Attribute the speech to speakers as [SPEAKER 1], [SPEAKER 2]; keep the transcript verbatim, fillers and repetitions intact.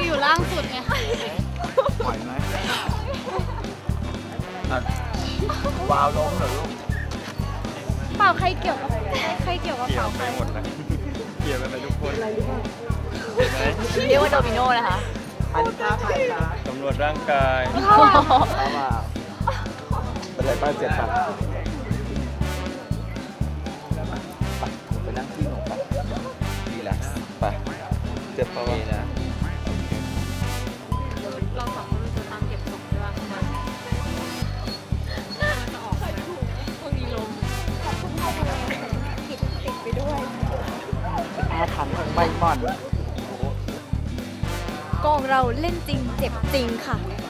[SPEAKER 1] อยู่ล่างสุดไง
[SPEAKER 2] ปล่อยไหมอ่ะวาวล้มเหรอลูก
[SPEAKER 1] เปล่าใครเกี่ยวกับใครเกี่ยวกับ
[SPEAKER 3] เกี่ย
[SPEAKER 1] เปล่าว ใค
[SPEAKER 3] ไป
[SPEAKER 1] ร
[SPEAKER 3] หมดเลยเกี่ยวกันไปทุกคนเห็นไหม
[SPEAKER 4] เรียกว่าโดมิโนนะคะ
[SPEAKER 2] อันนี้ท่าใครคะ
[SPEAKER 3] ตำรวจร่างกาย
[SPEAKER 2] ท่าว่าเป็นไรบ้างเจ็บปะไปนั่งที่หนูปะดีแล้วไปเจ็บปะวะ
[SPEAKER 3] นี่นะ
[SPEAKER 1] เราสองคนจะตามเก็บศพใช่ป่ะมันจะออกพวกนี้ลม
[SPEAKER 2] อาถรรพ์ของใบหม่อน
[SPEAKER 4] กองเราเล่นจริงเจ็บจริงค่ะ